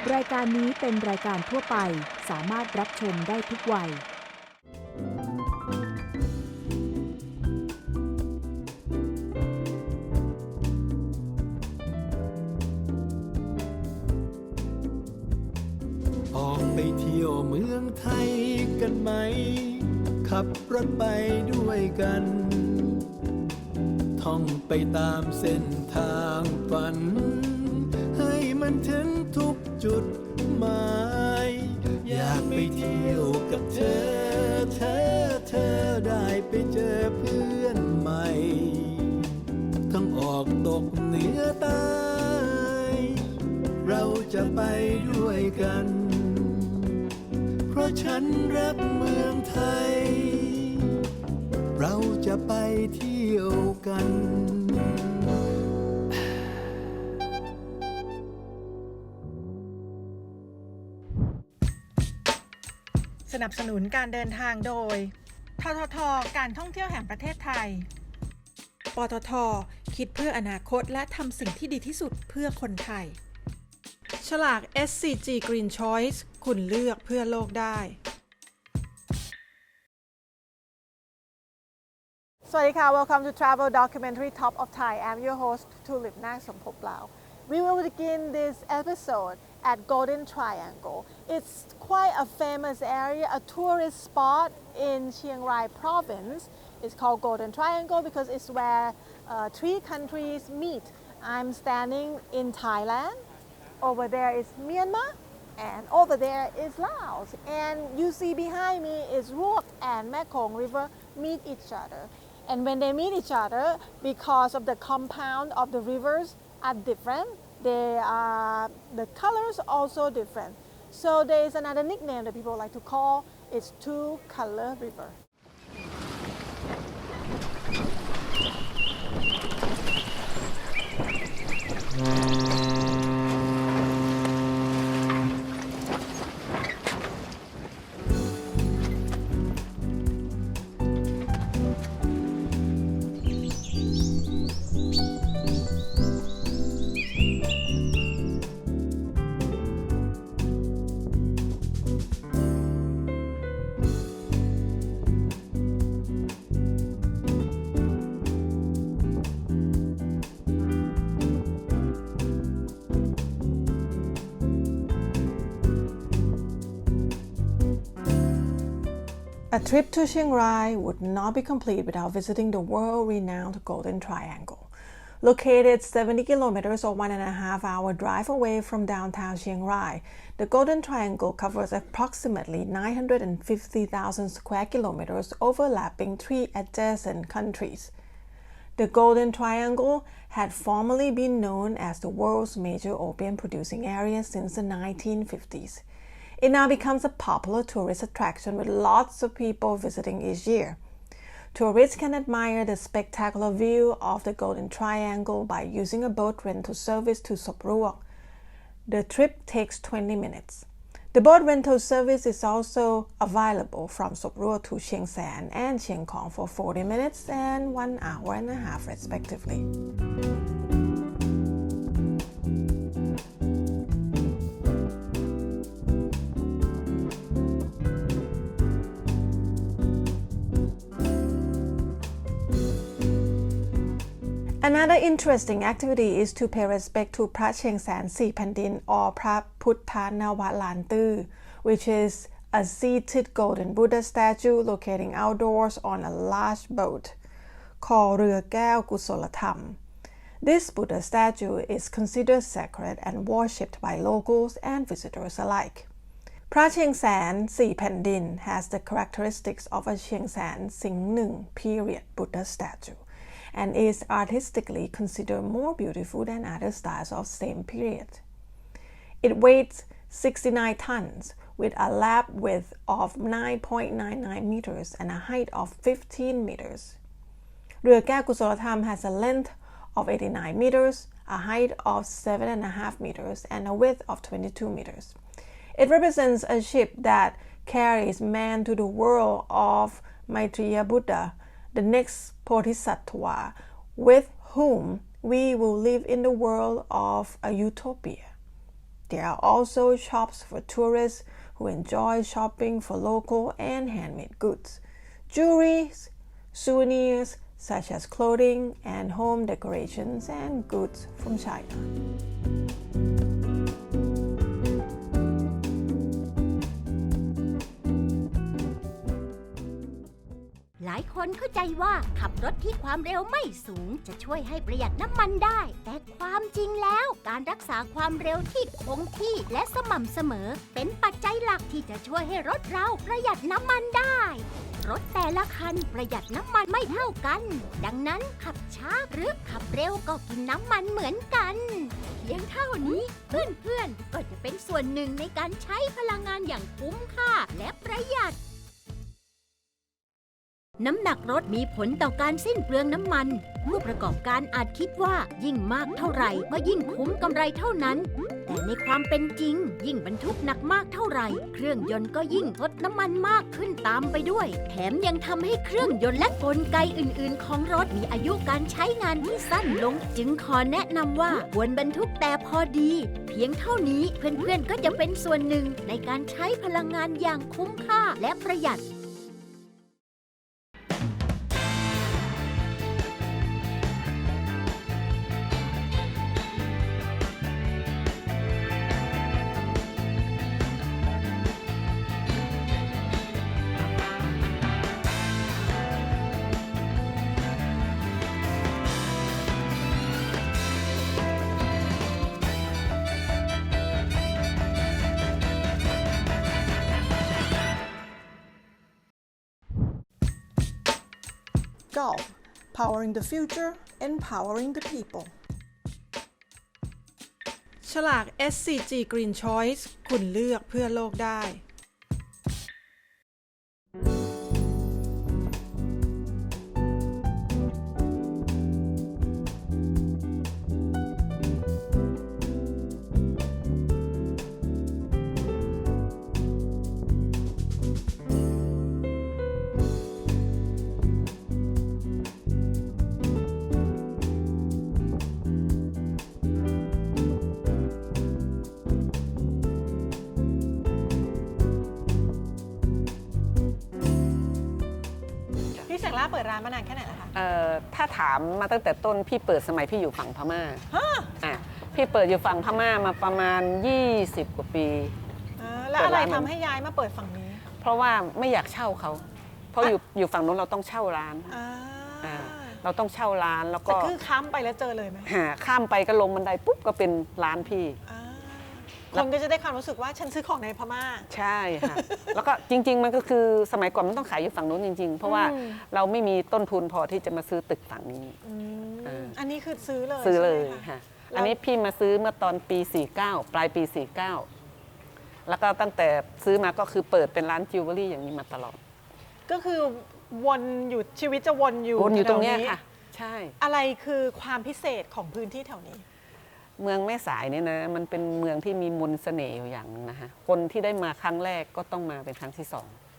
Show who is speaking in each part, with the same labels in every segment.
Speaker 1: รายการนี้เป็นรายการทั่วไปสามารถรับชมได้ทุกวัย
Speaker 2: ออกไปเที่ยวเมืองไทยกันไหมขับรถไปด้วยกันท่องไปตามเส้นทางฝันให้มันถึงทุกจุดหมายอยากไปเที่ยวกับเธอได้ไปเจอเพื่อนใหม่ทั้งออกตกเหนือใต้เราจะไปด้วยกันเพราะฉันรักเมืองไทยเราจะไปเที่ยวกัน
Speaker 3: สนับสนุนการเดินทางโดยททท.การท่องเที่ยวแห่งประเทศไทยปตท.คิดเพื่ออนาคตและทำสิ่งที่ดีที่สุดเพื่อคนไทยฉลาก SCG Green Choice คุณเลือกเพื่อโลกได้สวัสดีค่ะ Welcome to Travel Documentary Top of Thai. I'm your host Tulip Nak Somphoplao. We will begin this episode at Golden Triangle. It's quite a famous area, a tourist spot in Chiang Rai province. It's called Golden Triangle because it's where three countries meet. I'm standing in Thailand. Over there is Myanmar. And over there is Laos. And you see behind me is Ruok and Mekong River meet each other. And when they meet each other, because of the compound of the rivers are different, the colors also different. So there is another nickname that people like to call it's Two Color River. A trip to Chiang Rai would not be complete without visiting the world-renowned Golden Triangle. Located 70 kilometers or 1.5-hour drive away from downtown Chiang Rai, the Golden Triangle covers approximately 950,000 square kilometers overlapping three adjacent countries. The Golden Triangle had formerly been known as the world's major opium producing area since the 1950s. It now becomes a popular tourist attraction with lots of people visiting each year. Tourists can admire the spectacular view of the Golden Triangle by using a boat rental service to Sop Ruok. The trip takes 20 minutes. The boat rental service is also available from Sop Ruok to Chiang Saen and Chiang Khong for 40 minutes and 1 hour and a half respectively. Another interesting activity is to pay respect to Phra Cheng San Si Phandin or Phra Phutta Navat Lan Tu, which is a seated golden Buddha statue located outdoors on a large boat called Rua Kaew Kusolatham. This Buddha statue is considered sacred and worshipped by locals and visitors alike. Phra Cheng San Si Phandin has the characteristics of a Cheng San Sing Nung period Buddha statue and is artistically considered more beautiful than other styles of same period. It weighs 69 tons with a lap width of 9.99 meters and a height of 15 meters. Rua Kaew Kusolatham has a length of 89 meters, a height of 7.5 meters, and a width of 22 meters. It represents a ship that carries man to the world of Maitreya Buddha, the next Bodhisattva, with whom we will live in the world of a utopia. there are also shops for tourists who enjoy shopping for local and handmade goods, jewelry, souvenirs such as clothing and home decorations and goods from China.
Speaker 4: หลายคนเข้าใจว่าขับรถที่ความเร็วไม่สูงจะช่วยให้ประหยัดน้ำมันได้ แต่ความจริงแล้วการรักษาความเร็วที่คงที่และสม่ำเสมอเป็นปัจจัยหลักที่จะช่วยให้รถเราประหยัดน้ำมันได้ รถแต่ละคันประหยัดน้ำมันไม่เท่ากัน ดังนั้นขับช้าหรือขับเร็วก็กินน้ำมันเหมือนกันเพียงเท่านี้เพื่อนๆก็จะเป็นส่วนหนึ่งในการใช้พลังงานอย่างคุ้มค่าและประหยัดน้ำหนักรถมีผลต่อการสิ้นเปลืองน้ำมันผู้ประกอบการอาจคิดว่ายิ่งมากเท่าไหร่ก็ยิ่งคุ้มกำไรเท่านั้นแต่ในความเป็นจริงยิ่งบรรทุกหนักมากเท่าไหร่เครื่องยนต์ก็ยิ่งทดน้ำมันมากขึ้นตามไปด้วยแถมยังทำให้เครื่องยนต์และกลไกอื่นๆของรถมีอายุการใช้งานที่สั้นลงจึงขอแนะนำว่าควรบรรทุกแต่พอดีเพียงเท่านี้เพื่อนๆก็จะเป็นส่วนหนึ่งในการใช้พลังงานอย่างคุ้มค่าและประหยัด
Speaker 3: Golf Powering the Future Empowering the People ฉลาก SCG Green Choice คุณเลือกเพื่อโลกได้พี่เสกล่าเปิดร้านมานานแค่ไหนแล้วคะ
Speaker 5: ถ้าถามมาตั้งแต่ต้นพี่เปิดสมัยพี่อยู่ฝั่งพม่าพี่เปิดอยู่ฝั่งพม่ามาประมาณ20 กว่าปี
Speaker 3: แล้วอะไรทำให้ย้ายมาเปิดฝั่งนี้
Speaker 5: เพราะว่าไม่อยากเช่าเขาเพราะอยู่ฝั่งนู้นเราต้องเช่าร้านเราต้องเช่าร้านแล้วก็
Speaker 3: คือข้ามไปแล้วเจอเลยไหม
Speaker 5: ข้ามไปก็ลงบันไดปุ๊บก็เป็นร้านพี่
Speaker 3: คนก็จะได้ความรู้สึกว่าฉันซื้อของในพม่า
Speaker 5: ใช่ค่ะแล้วก็จริงๆมันก็คือสมัยก่อนมันต้องขายอยู่ฝั่งนู้นจริงๆเพราะว่าเราไม่มีต้นทุนพอที่จะมาซื้อตึกฝั่งนี้
Speaker 3: อันนี้คือซื้อ
Speaker 5: เลยค่ะอันนี้พี่มาซื้อเมื่อตอนปี49ปลายปี49แล้วก็ตั้งแต่ซื้อมาก็คือเปิดเป็นร้านจิวเวลรี่อย่างนี้มาตลอด
Speaker 3: ก็คือวนอยู่ชีวิตจะวนอยู่
Speaker 5: ตรงนี้ค่ะใช่
Speaker 3: อะไรคือความพิเศษของพื้นที่แถวนี้
Speaker 5: เมืองแม่สายเนี่ยนะมันเป็นเมืองที่มีมนต์เสน่ห์อยู่อย่างนึงนะคะคนที่ได้มาครั้งแรกก็ต้องมาเป็นครั้งที่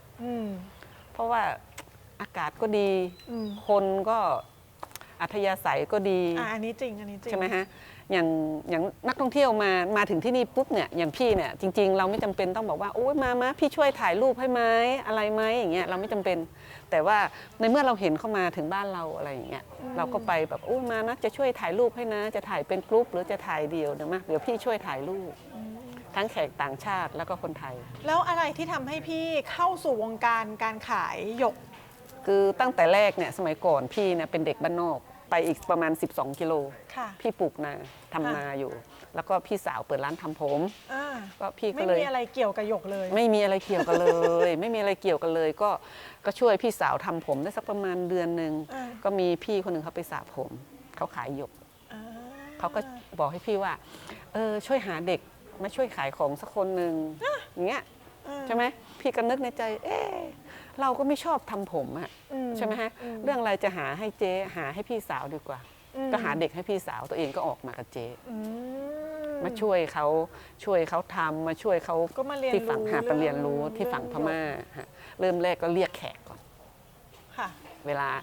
Speaker 5: 2เพราะว่าอากาศก็ดีคนก็อัธยาศัยก็ดี
Speaker 3: อันนี้จริง
Speaker 5: ใช่ไหมฮะอย่างนักท่องเที่ยวมาถึงที่นี่ปุ๊บเนี่ยอย่างพี่เนี่ยจริงๆเราไม่จำเป็นต้องบอกว่าโอ้ยมาพี่ช่วยถ่ายรูปให้ไหมอะไรไหมอย่างเงี้ยเราไม่จำเป็นแต่ว่าในเมื่อเราเห็นเข้ามาถึงบ้านเราอะไรอย่างเงี้ยเราก็ไปแบบโอ้มานะจะช่วยถ่ายรูปให้นะจะถ่ายเป็นกรุ๊ปหรือจะถ่ายเดี่ยวเดี๋ยวพี่ช่วยถ่ายรูปทั้งแขกต่างชาติแล้วก็คนไทย
Speaker 3: แล้วอะไรที่ทำให้พี่เข้าสู่วงการการขายหยก
Speaker 5: คือตั้งแต่แรกเนี่ยสมัยก่อนพี่เนี่ยเป็นเด็กบ้านนอกไปอีกประมาณ12 กิโลพี่ปลูกนาทำนาอยู่แล้วก็พี่สาวเปิดร้านทำผมก็พี่ก็เลย
Speaker 3: ไม่มีอะไรเกี่ยวกับหยกเลย
Speaker 5: ไม่มีอะไรเกี่ยวกันเลยไม่มีอะไรเกี่ยวกันเลยก็ช่วยพี่สาวทำผมได้สักประมาณเดือนหนึ่งก็มีพี่คนหนึ่งเขาไปสระผมเขาขายหยกเขาก็บอกให้พี่ว่าช่วยหาเด็กมาช่วยขายของสักคนหนึ่งอย่างเงี้ยใช่ไหมพี่ก็นึกในใจเราก็ไม่ชอบทำผมอะใช่ไหมฮะเรื่องอะไรจะหาให้เจ๊หาให้พี่สาวดีกว่าก็หาเด็กให้พี่สาวตัวเองก็ออกมากับเจ๊มาช่วยเขาทำมาช่วยเขาที่ฝั่งไปเรียนรู้ที่ฝั่งพม่าเริ่มแรกก็เรียกแขกก่อนเวลา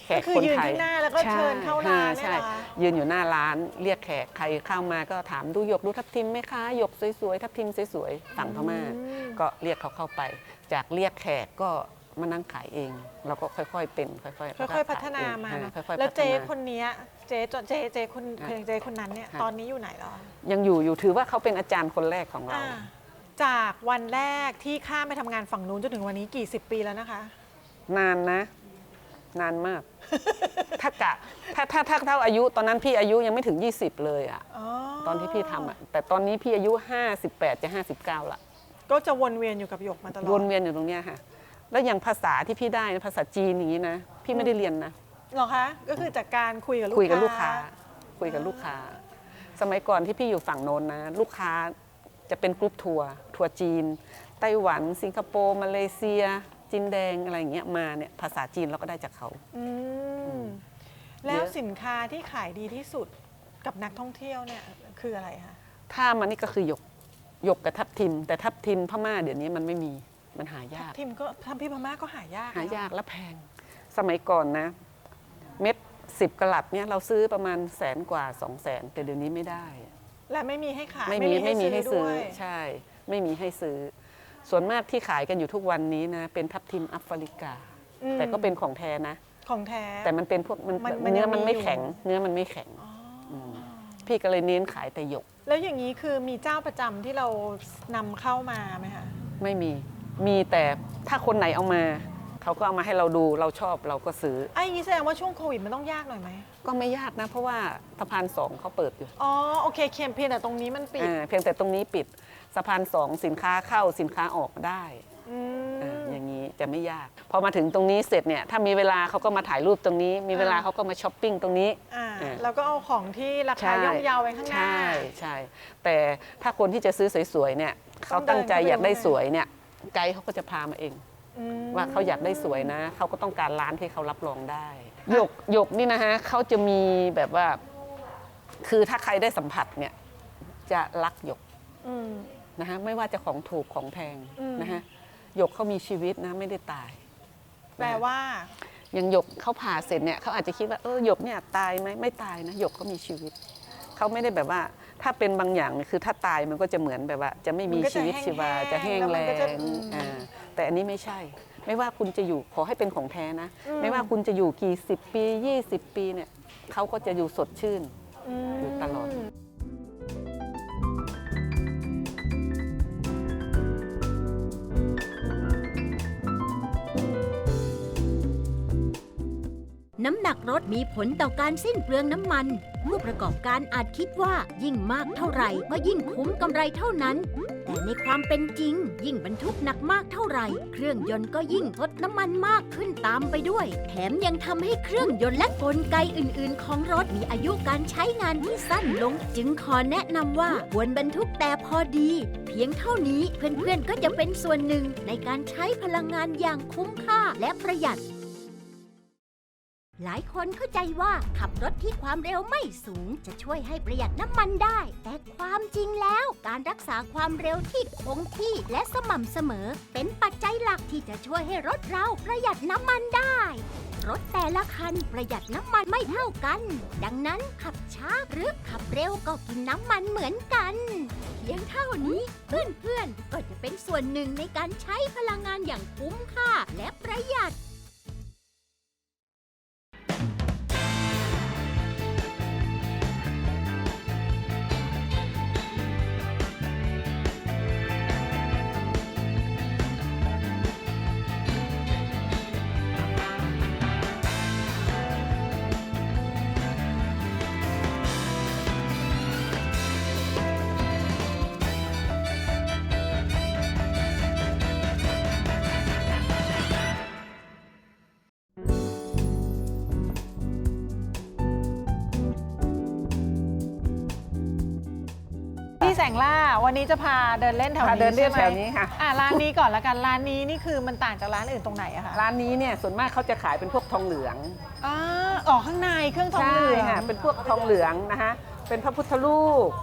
Speaker 5: แขก
Speaker 3: ก็คือ
Speaker 5: คน
Speaker 3: ยืน
Speaker 5: ไทย
Speaker 3: ข้างหน้าแล้วก็เชิญเข้าร้าน
Speaker 5: ใช่
Speaker 3: เนี่ยเหรอ
Speaker 5: ยืนอยู่หน้าร้านเรียกแขกใครเข้ามาก็ถามดูหยกดูทับทิมไหมคะหยกสวยๆทับทิมสวยๆฝั่งพม่าก็เรียกเขาเข้าไป จากเรียกแขกก็มานั่งขายเองเราก็ค่อยๆเป็นค่อยๆ
Speaker 3: พัฒนามา
Speaker 5: ขยเอง
Speaker 3: เนอะ
Speaker 5: ค่อยๆ
Speaker 3: แล้ว
Speaker 5: พัฒ
Speaker 3: เจ๊
Speaker 5: นา
Speaker 3: คนเนี้ยเจ๊คนเจ๊คนนั้นเนี่ย
Speaker 5: ค่ะ
Speaker 3: ตอนนี้อยู่ไหนแล้วอะ
Speaker 5: ยังอยู่ถือว่าเขาเป็นอาจารย์คนแรกของเรา
Speaker 3: อ่าจากวันแรกที่ข้ามไปทำงานฝั่งนู้นจนถึงวันนี้กี่สิบปีแล้วนะคะ
Speaker 5: นานนะ นานมาก ถ้ากะถ้าเท่าอายุตอนนั้นพี่อายุยังไม่ถึง 20 เลยอะ
Speaker 3: อ๋อ
Speaker 5: ตอนที่พี่ทำอะแต่ตอนนี้พี่อายุ 58 จะ 59ละ
Speaker 3: ก็จะวนเวียนอยู่กับหยกมาตลอด
Speaker 5: วนเวียนอยู่ตรงเนี้ยค่ะ แล้วอย่างภาษาที่พี่ได้นะภาษาจีนอย่างนี้นะ พี่ไม่ได้เรียนนะ
Speaker 3: เหรอคะ ก็คือจากการคุยกับลูก
Speaker 5: คุยกับลูก
Speaker 3: ค้า
Speaker 5: ค้า คุยกับลูกค้า สมัยก่อนที่พี่อยู่ฝั่งโน้นนะ ลูกค้าจะเป็นกรุ๊ปทัวร์จีน ไต้หวัน สิงคโปร์ มาเลเซีย จีนแดงอะไรอย่างเงี้ยมาเนี่ย ภาษาจีนเราก็ได้จากเขา
Speaker 3: อืมแล้วสินค้าที่ขายดีที่สุดกับนักท่องเที่ยวเนี่ยคืออะไรคะ
Speaker 5: ถ้ามันนี่ก็คือหยกกับทับทิม แต่ทับทิมพม่าเดี๋ยวนี้มันไม่มี มันหายาก
Speaker 3: ทิมก็ทำพี่พม่าก็หายาก
Speaker 5: หายากและแพง สมัยก่อนนะ เม็ด10 กะลัดเนี่ยเราซื้อประมาณ100,000 กว่า 200,000 แต่เดี๋ยวนี้ไม่ได้
Speaker 3: และไม่มีให้ขาย
Speaker 5: ไม่มีให้ซื้อ
Speaker 3: ด้วย
Speaker 5: ใช่ ไม่มีให้ซื้อ ส่วนมากที่ขายกันอยู่ทุกวันนี้นะเป็นทับทิมแอฟริกา แต่ก็เป็นของแท้นะ
Speaker 3: ของแท้
Speaker 5: แต่มันเป็นพวกมัน
Speaker 3: มัน
Speaker 5: เนื้อ
Speaker 3: ยัง
Speaker 5: มันไม่
Speaker 3: มีอยู่
Speaker 5: แข็ง เนื้อมันไม่แข็งมพี่ก็เลยเน้นขายแต่หยก
Speaker 3: แล้วอย่างนี้คือมีเจ้าประจำที่เรานำเข้ามาไหมคะ
Speaker 5: ไม่มีแต่ถ้าคนไหนเอามา เขาก็เอามาให้เราดูเราชอบเราก็ซื้อ
Speaker 3: ไอ้อย่างนี้แสดงว่าช่วงโควิดมันต้องยากหน่อยไหม
Speaker 5: ก็ไม่ยากนะ เพราะว่าสะพาน2เขาเปิดอยู่
Speaker 3: อ๋อโอเคเพียงแต่ตรงนี้มันปิด
Speaker 5: เพียงแต่ตรงนี้ปิดสะพาน2สินค้าเข้าสินค้าออกได้
Speaker 3: อืม
Speaker 5: อย่างนี้จะไม่ยาก พอมาถึงตรงนี้เสร็จเนี่ยถ้ามีเวลาเขาก็มาถ่ายรูปตรงนี้ มีเวลาเขาก็มาช้อปปิ้งตรงนี้
Speaker 3: แล้วก็เอาของที่ราคาย่อมเยาไว้ข้างหน้า
Speaker 5: ใช่แต่ถ้าคนที่จะซื้อสวยๆเนี่ยเขาตั้งใจอยากได้สวยเนี่ยไกด์เขาก็จะพามาเอง ว่าเขาอยากได้สวยนะเขาก็ต้องการร้านที่เขารับรองได้หยกนี่นะฮะเขาจะมีแบบว่าคือถ้าใครได้สัมผัสเนี่ยจะรักหยกนะฮะไม่ว่าจะของถูกของแพงนะฮะหยกเขามีชีวิตนะไม่ได้ตาย
Speaker 3: แปลว่า
Speaker 5: อย่างหยกเขาผ่าเสร็จเนี่ยเขาอาจจะคิดว่าหยกเนี่ยตายไหมไม่ตายนะหยกเขามีชีวิตเขาไม่ได้แบบว่าถ้าเป็นบางอย่างเนี่ยคือถ้าตายมันก็จะเหมือนแบบว่า จะไม่มีชีวิตชีวาจะแห้งแล้งแต่อันนี้ไม่ใช่ ไม่ว่าคุณจะอยู่ขอให้เป็นของแท้นะ ไม่ว่าคุณจะอยู่กี่10 ปี20 ปีเนี่ยเขาก็จะอยู่สดชื่นอยู่ตลอด
Speaker 4: น้ำหนักรถมีผลต่อการสิ้นเปลืองน้ำมัน ผู้ประกอบการอาจคิดว่ายิ่งมากเท่าไหร่ก็ยิ่งคุ้มกำไรเท่านั้น แต่ในความเป็นจริงยิ่งบรรทุกหนักมากเท่าไหร่ เครื่องยนต์ก็ยิ่งทดน้ำมันมากขึ้นตามไปด้วย แถมยังทำให้เครื่องยนต์และกลไกอื่นๆ ของรถมีอายุการใช้งานที่สั้นลง จึงขอแนะนำว่าควรบรรทุกแต่พอดี เพียงเท่านี้เพื่อนๆก็จะเป็นส่วนหนึ่งในการใช้พลังงานอย่างคุ้มค่าและประหยัดหลายคนเข้าใจว่าขับรถที่ความเร็วไม่สูงจะช่วยให้ประหยัดน้ำมันได้ แต่ความจริงแล้วการรักษาความเร็วที่คงที่และสม่ำเสมอเป็นปัจจัยหลักที่จะช่วยให้รถเราประหยัดน้ำมันได้ รถแต่ละคันประหยัดน้ำมันไม่เท่ากัน ดังนั้นขับช้าหรือขับเร็วก็กินน้ำมันเหมือนกันเพียงเท่านี้เพื่อนๆก็จะเป็นส่วนหนึ่งในการใช้พลังงานอย่างคุ้มค่าและประหยัด
Speaker 3: พี่แสงล่าวันนี้จะพาเดินเล่นแถวนี้
Speaker 5: เดินเล่น
Speaker 3: ใช่ไหม
Speaker 5: แถวนี้ค่ะ
Speaker 3: ร้านนี้ก่อนละกันร้านนี้นี่คือมันต่างจากร้านอื่นตรงไหนอะคะ
Speaker 5: ร้านนี้เนี่ยส่วนมากเขาจะขายเป็นพวกทองเหลือง
Speaker 3: ข้างในเครื่องทองเหลือง
Speaker 5: ใช่ค่ะเป็นพวกทองเหลืองนะคะเป็นพระพุทธรูป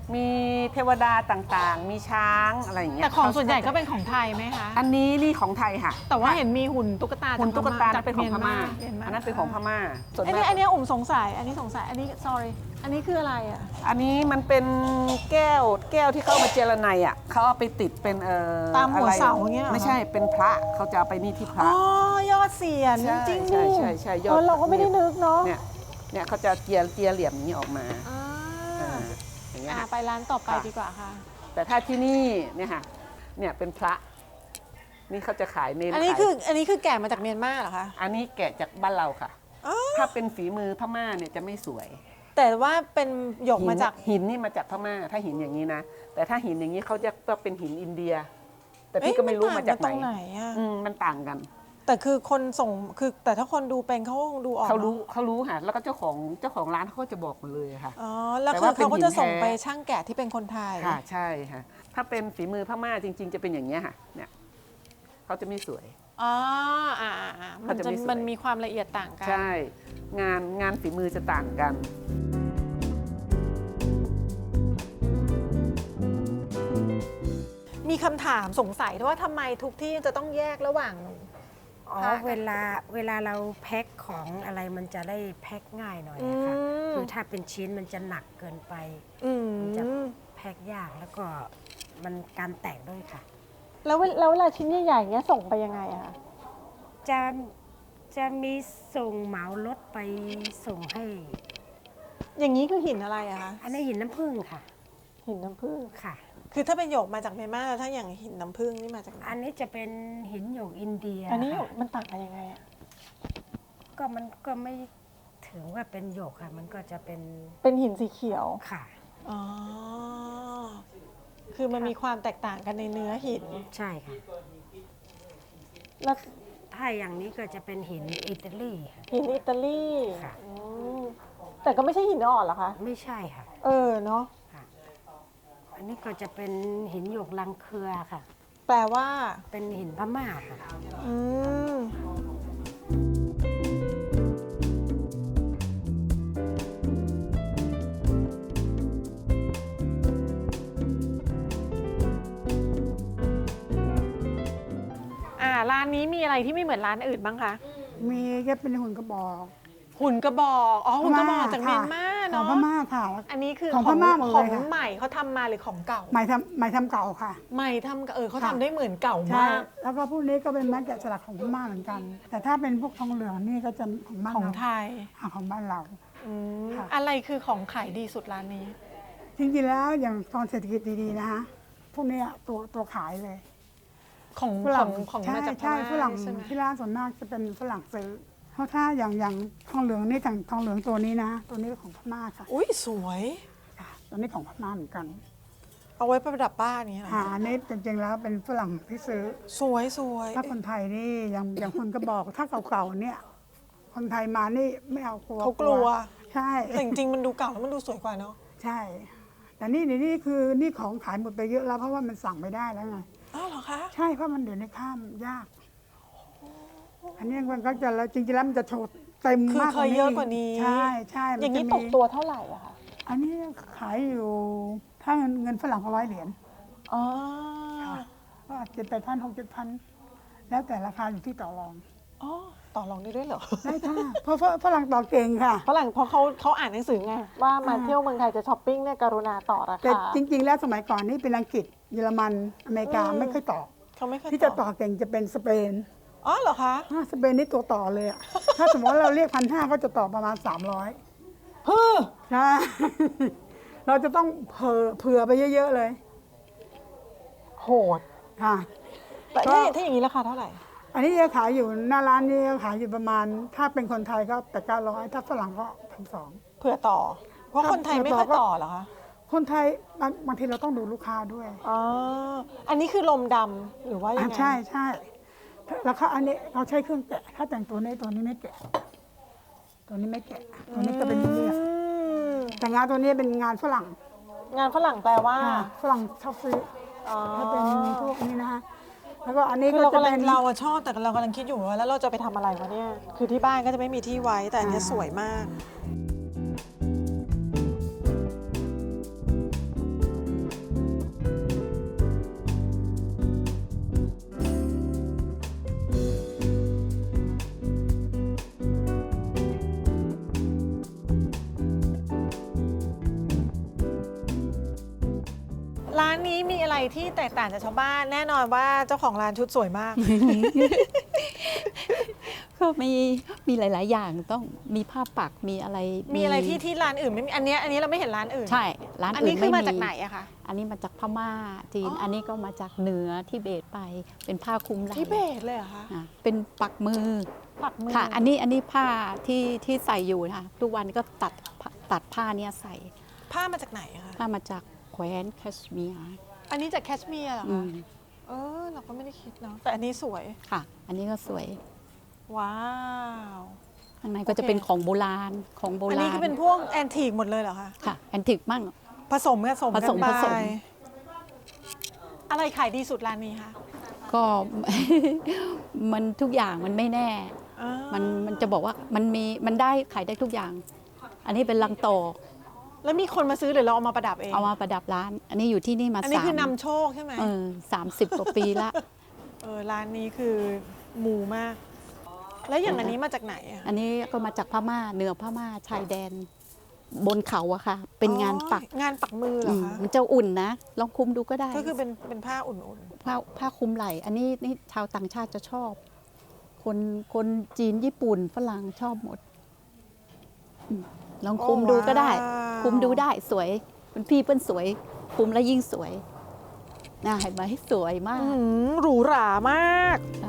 Speaker 5: มีเทวดาต่างๆ มีช้างอะไรอย่างเงี้ย
Speaker 3: แต่ของส่วนใหญ่ก็เป็นของไทยไหมคะ
Speaker 5: อันนี้นี่ของไทยค่ะ
Speaker 3: แต่ว่าเห็นมีหุ่นตุ๊กตา
Speaker 5: หุ่นตุ๊กตา
Speaker 3: จาก
Speaker 5: เป็นของพม่า
Speaker 3: เมียนมา
Speaker 5: อันนั้นเป็นของพม่าส่วน
Speaker 3: อัน
Speaker 5: มา
Speaker 3: นี้
Speaker 5: ก
Speaker 3: อันนี้อุ่มสงสัย อันนี้ sorry อันนี้คืออะไรอ่ะ
Speaker 5: อันนี้มันเป็นแก้วที่เขาเอามาเจรไนอ่ะเขาเอาไปติดเป็น
Speaker 3: ตามหัว
Speaker 5: อะไร
Speaker 3: เสาอย่างเงี้ยเหรอ
Speaker 5: ไม่ใช่เป็นพระเขาจะเอาไปนี่ที่พระ
Speaker 3: อ๋อยอดเสียน
Speaker 5: ใช่
Speaker 3: จริง
Speaker 5: ใช่
Speaker 3: ดิ
Speaker 5: ใช่ยอด
Speaker 3: เราก็ไม่ได้นึกเนาะ
Speaker 5: เนี่ยเขาจะเจียเหลี่ยมอย่างนี้ออกมา
Speaker 3: อ่า
Speaker 5: อย่างเงี้ยค่ะ
Speaker 3: ไปร้านต่อไป
Speaker 5: ค่ะ
Speaker 3: ดีกว่าค่ะ
Speaker 5: แต่ถ้าที่นี่เนี่ยค่ะเนี่ยเป็นพระนี่เขาจะขายเน้น
Speaker 3: อันนี้
Speaker 5: ขาย
Speaker 3: คือแกะมาจากเมียนมาเหรอคะ
Speaker 5: อันนี้แกะจากบ้านเราค่ะ
Speaker 3: อ๋อ
Speaker 5: ถ้าเป็นฝีมือพม่าเนี่ยจะไม่สวย
Speaker 3: แต่ว่าเป็นหยกมาจาก
Speaker 5: หินนี่มาจากพม่าถ้าหินอย่างนี้นะแต่ถ้าหินอย่างนี้เขาจะเป็นหินอินเดีย แต่พี่ก็ไม่รู้มาจาก
Speaker 3: ตรง
Speaker 5: ไห
Speaker 3: ไห
Speaker 5: น
Speaker 3: นอ่ะ
Speaker 5: มันต่างกัน
Speaker 3: แต่คือคนส่งคือแต่ถ้าคนดูเป็นเขาคงดูออก
Speaker 5: เขารู้
Speaker 3: นอะ
Speaker 5: เขารู้ค่ะแล้วก็เจ้าของร้านเขาก็จะบอกมาเลยค่ะ
Speaker 3: อ๋อแล้ว
Speaker 5: แต่
Speaker 3: คือ
Speaker 5: ว่าเป็น
Speaker 3: เขาก็จะส่ง
Speaker 5: หินแท้
Speaker 3: ไปช่างแกะที่เป็นคนไทย
Speaker 5: ค่ะใช่ค่ะถ้าเป็นฝีมือพม่าจริง ๆ จะเป็นอย่างนี้ยค่ะเนี่ยเขาจะไม่สวย
Speaker 3: อ๋อมัน
Speaker 5: เขาจะไม่สวย
Speaker 3: มันมีความละเอียดต่างกัน
Speaker 5: ใช่งานฝีมือจะต่างกัน
Speaker 3: มีคำถามสงสัยด้วยว่าทำไมทุกที่จะต้องแยกระหว่าง
Speaker 6: อ๋อเวลาเราแพ็คของอะไรมันจะได้แพ็คง่ายหน่อย
Speaker 3: อื
Speaker 6: นะคะ
Speaker 3: ม
Speaker 6: คือถ้าเป็นชิ้นมันจะหนักเกินไป
Speaker 3: อืม
Speaker 6: มันจะแพ็คยากแล้วก็มันการแตกด้วยค่ะ
Speaker 3: แล้วเวลาชิ้นใหญ่ๆเงี้ยส่งไปยังไงอะคะ
Speaker 6: จะมีส่งเหมารถไปส่งให้
Speaker 3: อย่างนี้คือหินอะไรอะคะ
Speaker 6: อันนี้หินน้ำผึ้งค่ะ
Speaker 3: หินน้ำผึ้ง
Speaker 6: ค่ะ
Speaker 3: คือถ้าเป็นหยกมาจากเมียนมาแล้วถ้าอย่างหินน้ำผึ้งนี่มาจากไหน
Speaker 6: อันนี้จะเป็นหินหยกอินเดีย
Speaker 3: อันนี้หยก
Speaker 6: ค่ะ
Speaker 3: มันต่างกันยังไงอะ
Speaker 6: มันก็ไม่ถือว่าเป็นหยกค่ะ มันก็จะเป็น
Speaker 3: เป็นหินสีเขียว
Speaker 6: ค่ะ
Speaker 3: อ๋อคือมันมีความแตกต่างกันในเนื้อหิน
Speaker 6: ใช่ค่ะ
Speaker 3: แล้ว
Speaker 6: ถ้าอย่างนี้ก็จะเป็นหินอิตาลีค่ะ
Speaker 3: หินอิตาลี
Speaker 6: ค่ะ
Speaker 3: อืมแต่ก็ไม่ใช่หินอ่อนเหรอคะ
Speaker 6: ไม่ใช่ค่ะ
Speaker 3: เนาะ
Speaker 6: อันนี้ก็จะเป็นหินหยกลังเครือค่ะ
Speaker 3: แปลว่า
Speaker 6: เป็นหินพม่าค่ะ
Speaker 3: อืมร้านนี้มีอะไรที่ไม่เหมือนร้านอื่นบ้างคะ
Speaker 7: มีก็เป็นหุ่นกระบอก
Speaker 3: หุ่นกระบอก อ๋อ หุ่นกระบอกจากเมียนมา
Speaker 7: ขอ
Speaker 3: เนาะ
Speaker 7: งพม่าค่ะ
Speaker 3: อันนี้คือ
Speaker 7: ของพม่าหมดเลย
Speaker 3: ของ
Speaker 7: ค่ะ
Speaker 3: ใหม่เขาทำมาหรือของเก่า
Speaker 7: หมายทำเก่าค่ะ
Speaker 3: ใหม่ทำเขา
Speaker 7: ค่ะ
Speaker 3: ทำได้เหมือนเก่า
Speaker 7: ใช่
Speaker 3: มาก
Speaker 7: แล้วก็พวกนี้ก็เป็นไม้แกะสลักของพม่าเหมือนกัน แต่ถ้าเป็นพวกทองเหลืองนี่ก็จะของบ้าน
Speaker 3: ของ
Speaker 7: เรา
Speaker 3: ไทย
Speaker 7: ของบ้านเรา
Speaker 3: อืม
Speaker 7: ค่ะ
Speaker 3: อะไรคือของขายดีสุดร้านนี้
Speaker 7: จริงๆแล้วอย่างตอนเศรษฐกิจดีๆนะคะพวกเนี้ยตัวขายเลย
Speaker 3: ของ
Speaker 7: ฝรั่ง
Speaker 3: ของ
Speaker 7: ใช่
Speaker 3: มาจากพ
Speaker 7: ใช่
Speaker 3: ม่า
Speaker 7: ฝรั่ง
Speaker 3: ใช่ไหม
Speaker 7: ที่ร้านส่วนมากจะเป็นฝรั่งซื้อเพราะถ้าอย่างทองเหลืองนี่ทองเหลืองตัวนี้นะ ตัวนี้ของพม่าค่ะ
Speaker 3: อุ้ยสวย
Speaker 7: ค่ะตัวนี้ของพม่าเหมือนกัน
Speaker 3: เอาไว้ประดับบ้านนี้เหรอ
Speaker 7: อันนี้จริงๆแล้วเป็นฝรั่งที่ซื้อ
Speaker 3: สวยสวย
Speaker 7: ถ้าคนไทยนี่อย่างคนก็บอกถ้าเก่าๆเนี่ยคนไทยมานี่ไม่เอากลัว
Speaker 3: เขากลัว
Speaker 7: ใช่
Speaker 3: แต่จริงๆมันดูเก่าแล้วมันดูสวยกว่าเนาะ
Speaker 7: ใช่ แต่นี่คือนี่ของขายหมดไปเยอะแล้วเพราะว่ามันสั่งไม่ได้แล้วไง
Speaker 3: อ้าวเหรอคะ
Speaker 7: ใช่เพราะมันเดี๋ยวนี้ข้ามยาก อันนี้มันก็จะแล้วจริงๆแล้วมันจะโชว์เต็ม
Speaker 3: คือ
Speaker 7: มาก
Speaker 3: เคยเยอะกว่านี้
Speaker 7: ใช่มัน
Speaker 3: อย่างนี้
Speaker 7: จะ
Speaker 3: ต
Speaker 7: มี
Speaker 3: กตัวเท่าไหร่อะคะ
Speaker 7: อันนี้ขายอยู่ถ้าเงินฝรั่งเขา100 เหรียญ
Speaker 3: อ๋อ
Speaker 7: ก็7,000 6,000 แล้วแต่ราคาอยู่ที่ต่อรอง
Speaker 3: อ๋อต่อรองได้ด้วยเหรอ
Speaker 7: ได้ค่ะเพราะฝรั่งต่อเก่งค่ะ
Speaker 3: ฝรั่งเพราะเขาอ่านหนังสือไงว่ามาเที่ยวเมืองไทยจะช้อปปิ้งเนี่ยกรุณาต่อรา
Speaker 7: แต่
Speaker 3: คา
Speaker 7: จริง ๆ แล้วสมัยก่อนนี่เป็นอังกฤษเยอรมันอเมริกา
Speaker 3: อืม
Speaker 7: ไม่ค่อยต่อ
Speaker 3: เขาไม่เคย
Speaker 7: ที่จะต่อเก่งจะเป็นสเปน
Speaker 3: อ๋อเหรอคะ
Speaker 7: สเปนนี่ตัวต่อเลยอะถ้าสมมติว่าเราเรียก1,500ก็จะต่อประมาณ300
Speaker 3: เฮ้อ
Speaker 7: ใช่ เราจะต้องเผื่อไปเยอะๆเลย
Speaker 3: โหด
Speaker 7: ค่ะ
Speaker 3: แต่
Speaker 7: ก็
Speaker 3: ถ้าอย่างนี้ราคาเท่าไหร่
Speaker 7: อันนี้จะขายอยู่หน้าร้านนี่จะขายอยู่ประมาณ ถ้าเป็นคนไทยก็800-900ถ้าฝรั่งก็1,200
Speaker 3: เผื่อต่อ เพราะ
Speaker 7: ครับ
Speaker 3: คนไทยไม่ค่อย
Speaker 7: เผื่อต่อก็
Speaker 3: ต่อเหรอคะ
Speaker 7: คนไทยบางทีเราต้องดูลูกค้าด้วย
Speaker 3: อ๋ออันนี้คือลมดำหรือว่ายังไง
Speaker 7: ใช่แล้วเขาอันนี้เขาใช้เครื่องแกะ ถ้าแต่งตัวนี้ไม่แกะ ตัวนี้ไม่แกะ ตัวนี้จะเป็นเรียบ
Speaker 3: อืม
Speaker 7: แต่งานตัวนี้เป็นงานฝรั่ง
Speaker 3: งานฝรั่งแปลว่า
Speaker 7: ฝรั่งชอบซื้อ
Speaker 3: อ๋อ
Speaker 7: ถ้าเป็นพวกนี้นะคะแล้วก็อันนี้
Speaker 3: คือ
Speaker 7: ก็
Speaker 3: เรา
Speaker 7: จะ
Speaker 3: กำลั
Speaker 7: เป็
Speaker 3: ง
Speaker 7: น
Speaker 3: เราอะชอบแต่เรากำลังคิดอยู่ว่าแล้วเราจะไปทำอะไรวะเนี่ย คือที่บ้านก็จะไม่มีที่ไว้ แต่อันเนี้ยสวยมากร้านนี้มีอะไรที่แตกต่างจากชาวบ้านแน่นอนว่าเจ้าของร้านชุดสวยมาก
Speaker 8: ก็มีหลาย ๆ อย่างต้องมีผ้าปักมีอะไร
Speaker 3: มีอะไรที่ร้านอื่นไม่มีอันนี้เราไม่เห็นร้านอื่น
Speaker 8: ใช่ร้าน
Speaker 3: อัน
Speaker 8: อื่
Speaker 3: นี้
Speaker 8: น
Speaker 3: คือ
Speaker 8: ไม่
Speaker 3: มา
Speaker 8: มี
Speaker 3: จากไหนอะคะ
Speaker 8: อันนี้มาจากพม่าจีน อันนี้ก็มาจากเหนือทิเบตไปเป็นผ้าคลุมไหล่
Speaker 3: ทิเบตเลยเหรอคะ
Speaker 8: อ่ะเป็นปักมือ
Speaker 3: ปักมือ
Speaker 8: ค่ะ อันนี้ผ้าที่ใส่อยู่นะคะทุกวันก็ตัดผ้าเนี้ยใส่
Speaker 3: ผ้ามาจากไหนอะคะ
Speaker 8: ผ้ามาจากแคว้นแคชเมียร์
Speaker 3: อันนี้จากแคชเมียร์เหรอ
Speaker 8: อื
Speaker 3: คะ
Speaker 8: ม
Speaker 3: เราก็ไม่ได้คิดเนาะแต่อันนี้สวย
Speaker 8: ค่ะ อันนี้ก็สวย
Speaker 3: ว้าว
Speaker 8: ข้างในก็จะเป็นของโบราณของโบราณ
Speaker 3: อันนี้คือเป็นพวกแอนทีกหมดเลยเหรอคะ
Speaker 8: ค่ะแอนติกมั่ง
Speaker 3: ผสมกัน
Speaker 8: ผสม
Speaker 3: ไป
Speaker 8: ผสม
Speaker 3: อะไรขายดีสุดร้านนี้คะ
Speaker 8: ก็ มันทุกอย่างมันไม่แน่
Speaker 3: อ่า
Speaker 8: มันจะบอกว่ามันได้ขายได้ทุกอย่าง อันนี้เป็นลังโต
Speaker 3: แล้วมีคนมาซื้อหรือเราเอามาประดับเอง
Speaker 8: เอามาประดับร้าน อันนี้อยู่ที่นี่มา
Speaker 3: อันนี้คือนำโชคใช่ไหม
Speaker 8: 30 กว่าปีละ
Speaker 3: ร้านนี้คือมูมาก แล้วอย่างอันนี้มาจากไหนอะ
Speaker 8: อันนี้ก็มาจากพม่าเหนือพม่าชายแดน บนเขาอะค่ะ เป็นงานปัก
Speaker 3: งานปักมือเหรอคะ
Speaker 8: มันจะอุ่นนะ ลองคุมดูก็ได้
Speaker 3: ก็คือเป็นผ้าอุ่น
Speaker 8: ผ้าคลุมไหล่ อันนี้นี่ชาวต่างชาติจะชอบ คนจีนญี่ปุ่นฝรั่งชอบหมดลองคุมดูก็ได้ คุมดูได้สวยเป็นพี่เปิ้นสวย คุมแล้วยิ่งสวยน่าเห็นไหมสวยมาก
Speaker 3: หรูหรามาก
Speaker 8: ค่ะ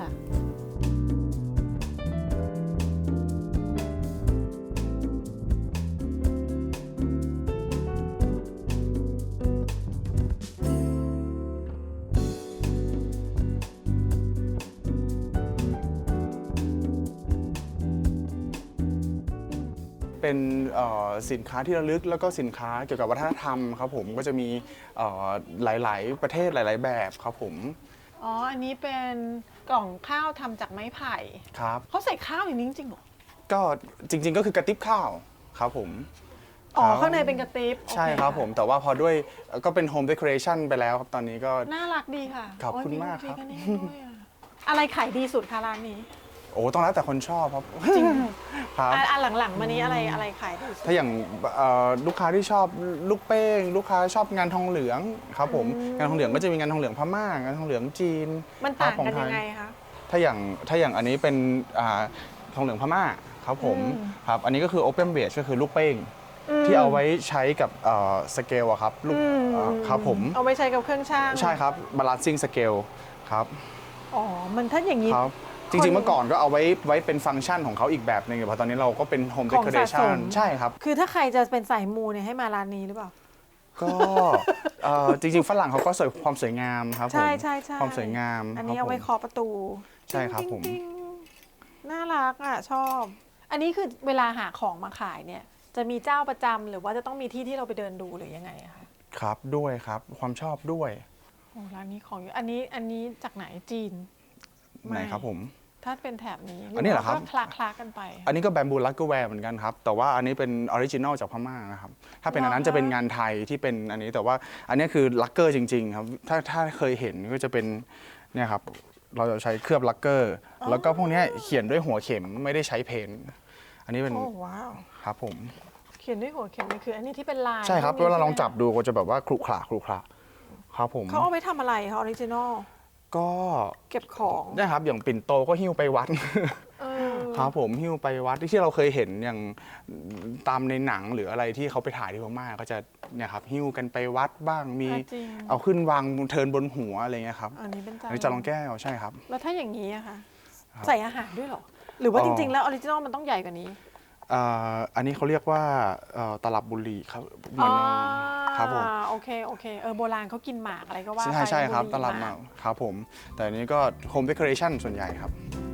Speaker 9: เป็นสินค้าที่ระลึกแล้วก็สินค้าเกี่ยวกับวัฒนธรรมครับผมก็จะมีหลายๆประเทศหลาย ๆ แบบครับผม
Speaker 3: อ๋อ อันนี้เป็นกล่องข้าวทำจากไม้ไผ่
Speaker 9: ครับ
Speaker 3: เขาใส่ข้าวอย่างนี้จริงๆเหรอ
Speaker 9: ก็จริง ๆ ก็คือกระติบข้าวครับผม
Speaker 3: อ๋อ
Speaker 9: ครับ
Speaker 3: ข้างในเป็นกระติบ
Speaker 9: ใช่
Speaker 3: โอเ
Speaker 9: ครับผมแต่ว่าพอด้วยก็เป็นโฮมเดคอเรชันไปแล้วครับตอนนี้ก็
Speaker 3: น่ารักดีค่ะ
Speaker 9: ขอบคุณ
Speaker 3: โย
Speaker 9: มากครับ
Speaker 3: พิกเนตด้วยอะอะไรขายดีสุดคะร้านนี้
Speaker 9: โอ้ต้องแล้วแต่คนชอบครับ
Speaker 3: จริง
Speaker 9: ครับ
Speaker 3: หลังๆมานี้อะไรขายดีสุด
Speaker 9: ถ้าอย่างลูกค้าที่ชอบลูกเป้ง ลูกค้าชอบงานทองเหลืองครับผมงานทองเหลืองก็จะมีงานทองเหลืองพม่างานทองเหลืองจีน
Speaker 3: มันต่าง
Speaker 9: ของ
Speaker 3: กัน
Speaker 9: ท
Speaker 3: ยังไงคะ
Speaker 9: ถ้าอย่างอันนี้เป็นทองเหลืองพม่าครับผม
Speaker 3: อืม
Speaker 9: ครับอันนี้ก็คือ Open Base ก็คือลูกเป้งที่เอาไว้ใช้กับสเกลอะครับลูกครับผม
Speaker 3: เอาไว้ใช้กับเครื่องช่าง
Speaker 9: ใช่ครับ Balancing Scale ครับ
Speaker 3: อ๋อ มันถ้าอย่างนี้
Speaker 9: ครับจริงๆเมื่อก่อนก็เอาไว้เป็นฟังก์ชันของเขาอีกแบบหนึงแต่พอตอนนี้เราก็เป็น Home
Speaker 3: ของสะสม
Speaker 9: Decoration ใช่ครับ
Speaker 3: คือถ้าใครจะเป็นสายมูเนี่ยให้มาร้านนี้หรือเปล่า
Speaker 9: ก็จริงๆฝรั่งเขาก็ความสวยงามครับผม
Speaker 3: ใช่
Speaker 9: ความสวยงาม
Speaker 3: อันนี้
Speaker 9: ครั
Speaker 3: เอา
Speaker 9: บ
Speaker 3: ไว้
Speaker 9: ผม
Speaker 3: เคาะประตู
Speaker 9: ใช่ครับผม
Speaker 3: ติ๊งๆน่ารักอ่ะชอบ อันนี้คือเวลาหาของมาขายเนี่ย จะมีเจ้าประจำหรือว่าจะต้องมีที่ที่เราไปเดินดูหรือยังไงอะคะ
Speaker 9: ครับด้วยครับความชอบด้วย
Speaker 3: โอ้ร้านนี้ของเยอะอันนี้จากไหนจีน
Speaker 9: ไหนครับผม
Speaker 3: ถ้าเป็นแถบนี้
Speaker 9: อันนี้เหรอครับ
Speaker 3: ก็คลากันไป
Speaker 9: อันนี้ก็แบมบูลักเกอร์แวร์เหมือนกันครับ แต่ว่าอันนี้เป็นออริจินอลจากพม่านะครับ ถ้าเป็นอันนั้นจะเป็นงานไทยที่เป็นอันนี้แต่ว่าอันนี้คือลักเกอร์จริง ๆ ครับ ถ้าเคยเห็นก็จะเป็นเนี่ยครับเราจะใช้เคลือบลักเกอร์แล้วก็พวกเนี้ยเขียนด้วยหัวเข็มไม่ได้ใช้เพนท์อันนี้เป็น
Speaker 3: โอ้ว้าว
Speaker 9: ครับผม
Speaker 3: เขียนด้วยหัวเข็มนี่คือ อันนี้ที่เป็นลาย
Speaker 9: ใช่ครับ
Speaker 3: พวกนี้
Speaker 9: เวลาลอง
Speaker 3: ใช่ไหม
Speaker 9: จับดูก็จะแบบว่าครุขระครับผม
Speaker 3: เขาเอาไปทำอะไรคะออริจินอล
Speaker 9: ก็
Speaker 3: เก็บของ
Speaker 9: เนะครับอย่างปิ่นโตก็หิ้วไปวัด
Speaker 3: เออ
Speaker 9: ครับผมหิ้วไปวัดที่เราเคยเห็นอย่างตามในหนังหรืออะไรที่เขาไปถ่ายที่พม่าก็จะเนี่ยครับหิ้วกันไปวัดบ้างมี
Speaker 3: จริง
Speaker 9: เอาขึ้นวางเทินบนหัวอะไรเงี้ยครับ
Speaker 3: อันนี้เป็นจาน
Speaker 9: อันนี้จะลองแก้วใช่ครับ
Speaker 3: แล้วถ้าอย่างนี้อะคะ
Speaker 9: ครับ
Speaker 3: ใส่อาหารด้วยเหรอ หรือว่า
Speaker 9: อ๋อ
Speaker 3: จริง ๆ แล้วออริจินอลมันต้องใหญ่กว่านี้
Speaker 9: อันนี้เขาเรียกว่าตลับบุหรี่ครับเหมือนครับผม
Speaker 3: โอเคโบราณเขากินหมากอะไรก็ว่า
Speaker 9: ใช่
Speaker 3: ไป
Speaker 9: ครับ
Speaker 3: บุห
Speaker 9: ตลับ
Speaker 3: ห
Speaker 9: มากครับผมแต่อันนี้ก็ Home Decoration ส่วนใหญ่ครับ